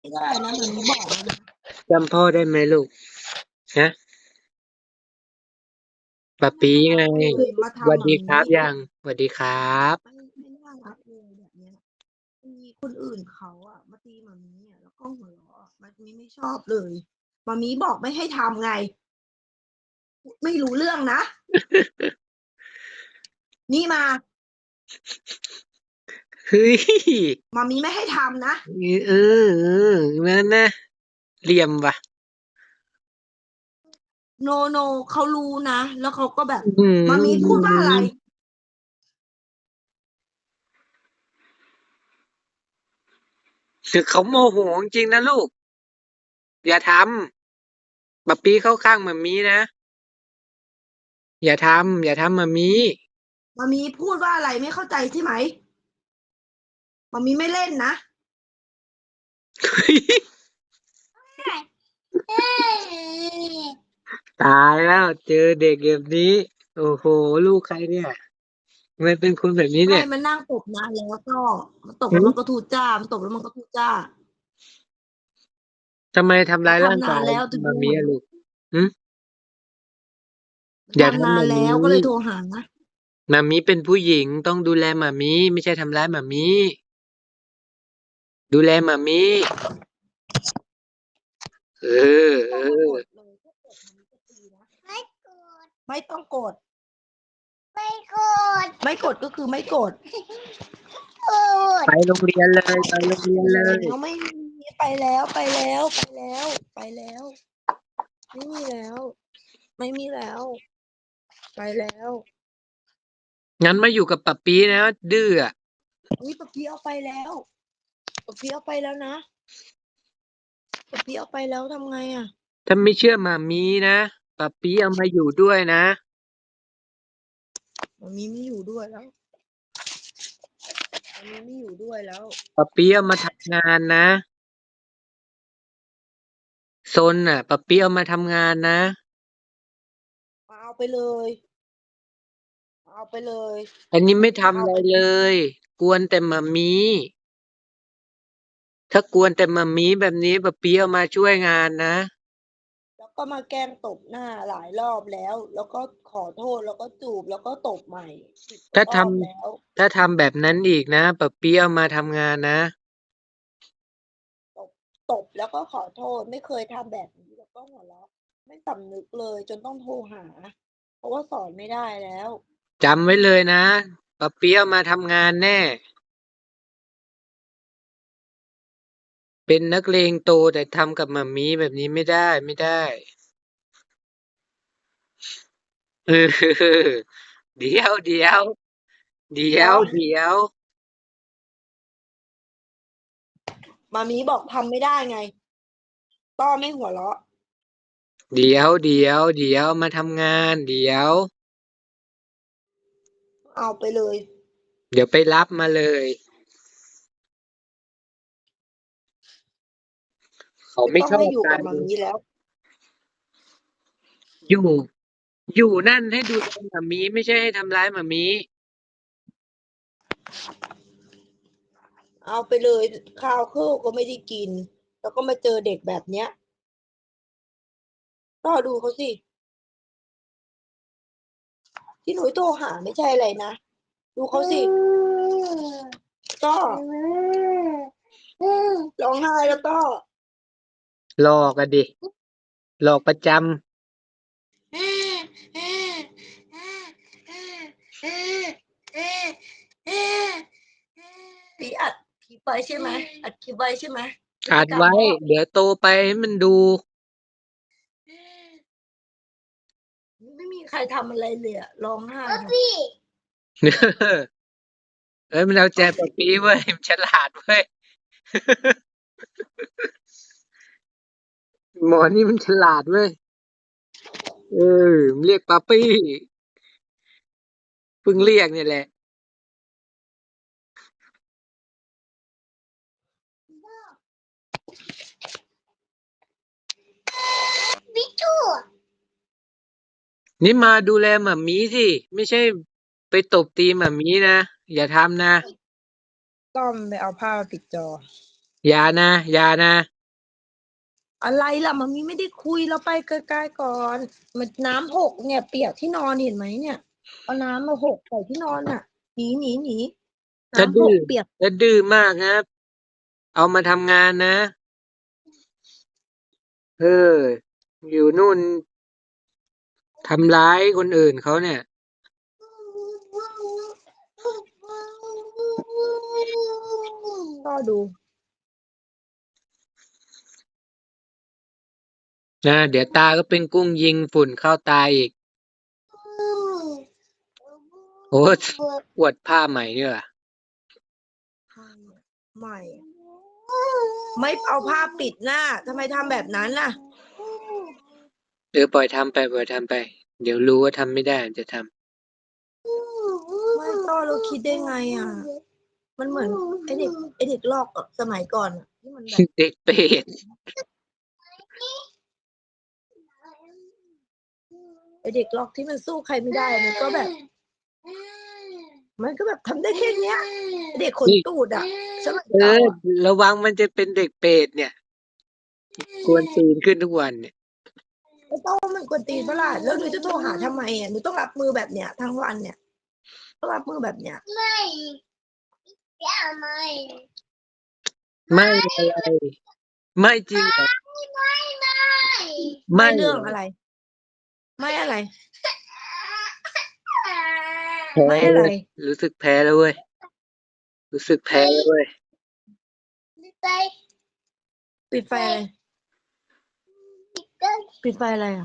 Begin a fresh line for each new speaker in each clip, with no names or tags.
ไม่ได้นะมันมีบอกแล้วนะ
จำพ่อได้ไหมลูกฮะปะ
ไม่
ปี
น่ารั
ไง
กเลยมา
สวัส
ทำแบบนี้
ดีครับยังสวัสดีครับ
ไม่น่ารักเลยแบบเนี้ยมีคนอื่นเขาอะมาตีมามีอะแล้วก็หัวเราะอะมามีไม่ชอบเลยมามีบอกไม่ให้ทำไงไม่รู้เรื่องนะนี่มา
เฮ้ย
มามีไม่ให้ทำนะ
นั่นนะเหลี่ยมว่ะ
โนโนเขารู้นะแล้วเขาก็แบบ
อื
มามีพูดว่าอะไร
มคือเขาโมโหจริงๆนะลูกอย่าทำปะปีเข้าข้างมัมมี่นะอย่าทำมัมมี่
มามีพูดว่าอะไรไม่เข้าใจใช่ไหมมามีไม่เล่นนะ
ตายแล้วเจอเด็กแบบนี้โอ้โหลูกใครเนี่ยทำไมเป็นคนแบบนี้
ไม่
เนี่ย
มันนั่งตบนานแล้วก็มันตบ
หึ
แล้วมันก็ทูจ้ามันตบแล้วมันก็ทูจ้า
ทำไมทำร้ายร่าง
มันทำนา
กาย
นแล้วถึง
มั
ได้หัวเราะ
มมี่อะลูกหึอย่า
มันทำ
ทำแบบนี
นานแล้วก็
้
เลยโทรหานะ
มัมมี่เป็นผู้หญิงต้องดูแลมัมมี่ไม่ใช่ทำร้ายมัมมี่ดูแลมัมมี่เออ
ไม่ต้องมาก
เออ
ดเลยถ้ากดมันจะตีนะไม่ต้องกดไม่กดก็คือไม่กด
ไปโรงเรียนเลยไปโรงเรียนเลย
แล้วไม่มีไปแล้วไปแล้วไปแล้วไปแล้วไม่มีแล้วไม่มีแล้วไปแล้ว
งั้นมาอยู่กับปับปี้นะดื้ออะ
นี่ปะพี่เอาไปแล้วปะพี่เอาไปแล้วนะปะพี่เอาไปแล้วทำไงอ่ะ
ถ้าไม่เชื่อมัมมี่นะปับปี้เอามาอยู่ด้วยนะ
มันมีไม่อยู่ด้วยแล้วมันมีไม่อยู่ด้วยแล้ว
ปับปี้เอามาทำงานนะซนน่ะปับปี้เอามาทำงานนะ
เอาไปเลยเอาไปเลย
อันนี้ไม่
มา
ทำอะไร
เอาไป
เลยกวนแต่มัมมี่ถ้ากวนแต่มัมมี่แบบนี้ปะเปี๊ยะมาช่วยงานนะ
แล้วก็มาแกล้งตบหน้าหลายรอบแล้วแล้วก็ขอโทษแล้วก็จูบแล้วก็ตบใหม่10 กว่า
ถ้าท
รอบแล้ว
ำถ้าทำแบบนั้นอีกนะปะเปี๊ยะมาทำงานนะ
ตบตบแล้วก็ขอโทษไม่เคยทำแบบนี้แล้วก็หัวเราะไม่สำนึกเลยจนต้องโทรหาเพราะว่าสอนไม่ได้แล้ว
จำไว้เลยนะปะเปี๊ยะมาทำงานแน่เป็นนักเลงโตแต่ทำกับมัมมี่แบบนี้ไม่ได้เออเดี๋ยว
ก็
เดี๋ยว
มามีบอกทำไม่ได้ไงต้อไม่หัวเราะ
เดี๋ยวมาทำงาน
เอาไปเลย
เดี๋ยวไปรับมาเลยเขา
ไม่ต้อง
ไม่ช
ให้อยู่กับ
อบกัน
มามีแล้ว
อยู่ อยู่นั่นให้ดูแลหมามีไม่ใช่ให้ทำร้ายหมามี
เอาไปเลยข้าวเครื่องก็ไม่ได้กินแล้วก็มาเจอเด็กแบบเนี้ยก็ดูเขาสิ ที่หนูโทรหาไม่ใช่อะไรนะดูเขาสิก็ร้องไห้แล้วก็
หลอกอะดิหลอกประจ
พี่อัดคลิปไว้ใช่ไหมอัดคลิปไว้ใช่ไหมพฤ
ำอัดไว้
ติกรรมเขาอะ
เดี๋ยวโตไปให้มันดู
ไม่มีใครทำอะไรเลยอะร้องไห้
เอ้ยมันเอาใจปะปีเว้ยมันฉลาดเว้ยหมอนี่มันฉลาดเว้ยเออมันเรียกปาปี้เพิ่งเรียกเนี่ยแหละนี่มาดูแลหมามีสิไม่ใช่ไปตบตีหมามีนะอย่าทำนะ
ต้อมไปเอาผ้ามาปิดจอ
อย่านะอย่านะ
อะไรล่ะมันมีไม่ได้คุยเราไปไกลๆก่อนมันน้ำหกเนี่ยเปียกที่นอนเห็นไหมเนี่ยเอาน้ำมาหกใส่ที่นอนน่ะหนีน้ำห
ถ้าดื้อ
กเปียก
ถ้าดื้อมากนะเอามาทำงานนะเอออยู่นู่นทำร้ายคนอื่นเขาเนี่ย
ก็ดู
นะเดี๋ยวตาก็เป็นกุ้งยิงฝุ่นเข้าตาอีกโอ้ปวดผ้าใหม่เนี่ยว่ะ
ไม่ไม่เอาผ้าปิดหน้าทำไมทำแบบนั้นล่ะ
เออปล่อยทำไปปล่อยทำไปเดี๋ยวรู้ว่าทำไม่ได้จะท
ไม่ก็เราคิดได้ไงอ่ะมันเหมือนไอเด็กลอกอะสมัยก่อนอะที่มันแบบ
ำเด็กเป็ด
ไอเด็กลอกที่มันสู้ใครไม่ได้มันก็แบบทำได้แค่เนี้ยไอ้เด็กขน
นี่
ตูดอ่ะสมัย
เออ
เราอ่ะ
ระวังมันจะเป็นเด็กเป็ดเนี่ยกวนตีนขึ้นทุกวันเนี่ย
ไม่ต้องมันกวนตีนเปะล่าแล้วหนูจะโทรหาทำไมอ่ะหนูต้องรับมือแบบเนี้ยทั้งวันเนี่ยต้องรับมือแบบเนี้ย
ไม่อะไรไม่จริงเหรอ
ไม่
ไม่เหรอ
เรื่องอะไรไม่อะไร
แพ้
ไม่อะไร
เลยรู้สึกแพ้แล้วเว้ยรู้สึกแพ้แล้วเว้ย
ปิดไฟอะไรปิดไฟอะไรอ่ะ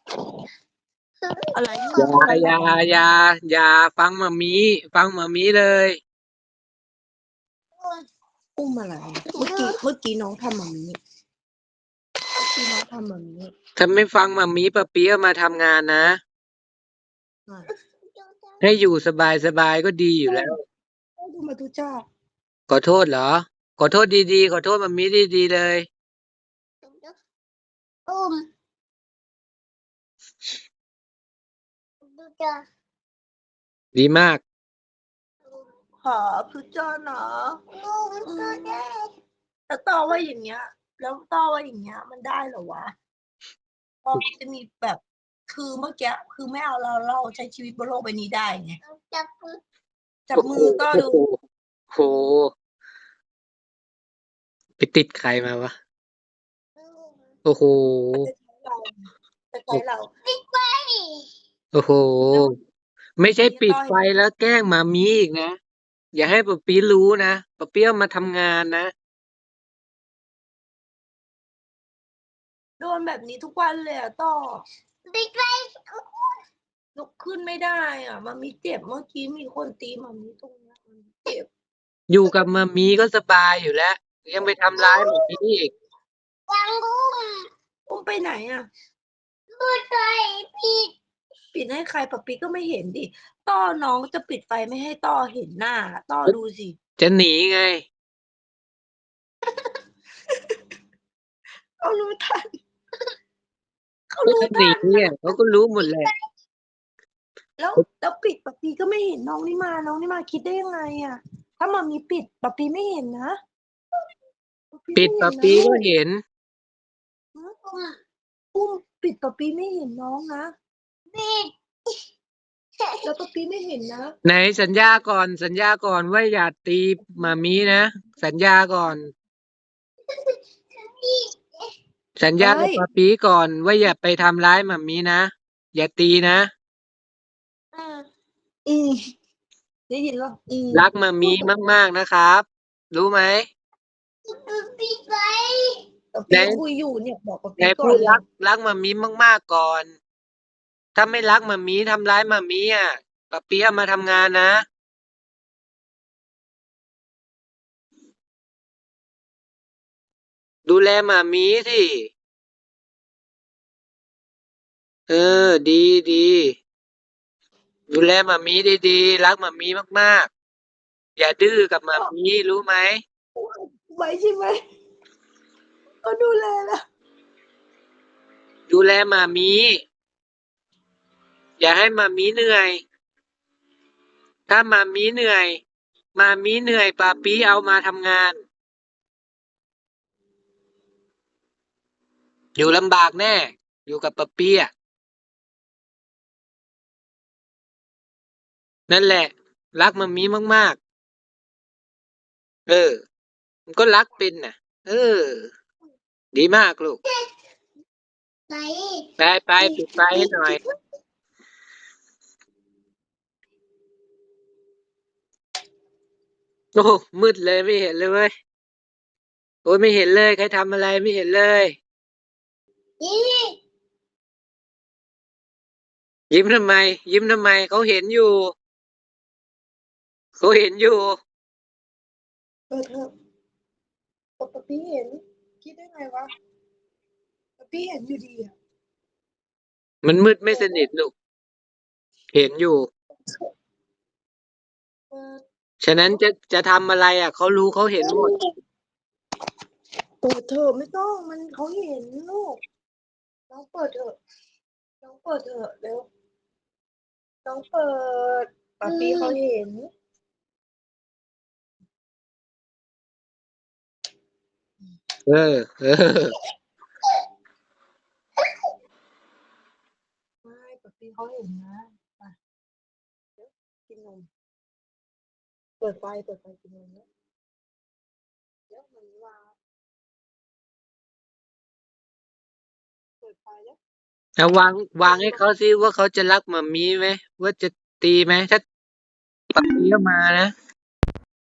อะไร
อย่า
อะไร
อย่าอย่าอย่าฟังมามีฟังมามีเลย
อุ้มอะไรเมื่อกี้น้องทำแบบนี้เมื่อกี้น้องทำแบบนี้
ถ้าไม่ฟังมามีปะเปี๊ยะมาทำงานนะ
อ่ะ
ให้อยู่สบายสบายก็ดีอยู่แล้ว
ดูมาทุจ้า
ขอโทษเหรอขอโทษดีๆขอโทษมามีดีๆเลย
อุ้มดูจ้า
ดีมาก
ขอคือจอเนาะแล้วต่อว่าอย่างเงี้ยแล้วต่อว่าอย่างเงี้ยมันได้เหรอวะพอจะมีแบบคือเมื่อกี้คือไม่เอาเราใช้ชีวิตบนโลกใบนี้ได้ไงจับ
โอ้โห
มือต่อดู
โอ้โหโหไปติดใครมาวะโอ้โห
มันจะใช้เราจะใช้เรา
โอ้โห
แล้ว
ไม่ใช่
นี้
ปิดไฟ
ต่อเห็น
แล้วแกล้งมามีอีกนะอย่าให้ปะปี๊รู้นะปะเปี๊ยะมาทำงานนะ
โดนแบบนี้ทุกวันเลยอะต่อลุกขึ้นไม่ได้อ่ะมันมีเจ็บเมื่อกี้มีคนตีมันมีตรงเนี้ยมันเจ็บ
อยู่กับมามีก็สบายอยู่แล้วยังไปทำร้ายมามีอีก
อุ้มไปไหนอ่ะ ปิดให้ใครปะปีก็ไม่เห็นดิต้อน้องจะปิดไฟไม่ให้ต้อเห็นหน้าต้อดูสิ
จะหนีไง
เขารู้ทันเขา
ก็
รู้
จะหนี
ทันนะ
เนี่ยเขาก็รู้หมดแหละ
แล้วปิดปะปีก็ไม่เห็นน้องนี่มาคิดได้ยังไงอ่ะถ้ามามีปิดปะปีไม่เห็นนะปะปี
ปิด
ไม่เห็น
ปะปี
นะลูก
ก็เห็น
อุ้มปิดปะปีไม่เห็นน้องนะแล้วปะปีไม่เห็นนะ
ไหนสัญญาก่อนสัญญาก่อนว่าอย่าตีมามีนะสัญญาก่อนสัญญากับ
เอ้ย
ปะปีก่อนว่าอย่าไปทำร้ายมามีนะอย่าตีนะ
อ่าอืมได้ยินแล้ว
รักมามี
พูดแบบ
มากๆนะครับรู้ไหม
ปะ
ไหน
ปีคุยอยู่เนี่ยบอกปะ
ไหน
ปีก่อนเลย
พูดรักมามีมากๆก่อน ถ้าไม่รักหม่ามีทำร้ายหม่ามีอ่ะปะเปี๊ยะมาทำงานนะดูแลหม่ามีสิเออดีดีดูแลหม่ามีดีๆรักหม่ามีมากๆอย่าดื้อกับหม่า
ก็
มีรู้ไหม
ไว้ใช่ไหมก็ดูแลแล้ว
ดูแลหม่ามีอย่าให้หม่ามีเหนื่อยถ้าหม่ามีเหนื่อยหม่ามีเหนื่อยปะปีเอามาทำงานอยู่ลำบากแน่ อยู่กับปะเปียะนั่นแหละ รักมัมมี่มากๆ มันก็รักเป็นน่ะ เออ ดีมากลูก
ไหน
ไปปิดไฟให้หน่อย โอ้โหมืดเลยไม่เห็นเลยเว้ย โอ้ยไม่เห็นเลย ใครทำอะไรไม่เห็นเลย
นี่
ยิ้มทำไม ยิ้มทำไม เขาเห็นอยู่ เขาเห็นอยู่
เปิดเถอะปะปี้เห็น คิดได้ไงวะปะปี้เห็นอยู่ดีอ่ะ
มันมืดไม่สนิทลูก เห็นอยู่
เปิด
ฉะนั้นจะทำอะไรอ่ะ เขารู้เขาเห็นหมด
เปิดเถอะไม่ต้องมันเขาเห็นลูกน้องเปิดเถอะน้องเปิดเถอะเร็วน้องเปิดปะปี้เขาเห็น
เออ
ไม่ปะปี้เขาเห็นนะไปเดี๋ยวกินนมเปิดไฟกินนมแล้วเดี๋ยวมันวางเปิดไฟแล้ว
เอาวางให้เขาสิว่าเขาจะรักหมามีไหมว่าจะตีไหมถ้าปะเปียะมานะ